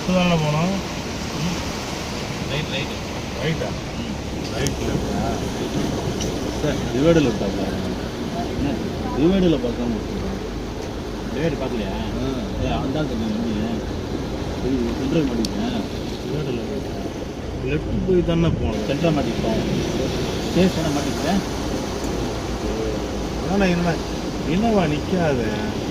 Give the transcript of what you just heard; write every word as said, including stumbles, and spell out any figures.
Left தானே போனோம். Right right ரைட்டா? ரைட் லெஃப்டா? சார் டிவைடில் விட்டாங்க. என்ன டிவைடில் பார்க்காம டிவைடு பார்க்கலையா? ஏ அந்த சென்ட்ரல் மாட்டிக்கிட்டேன். டிவைடில் லெஃப்ட் போய் தானே போனோம். சென்ட்ரல் மாட்டிக்கிட்டேன். சேஃப் தானே மாட்டிக்கிட்டேன். ஆனால் என்ன என்னவா நிற்காது.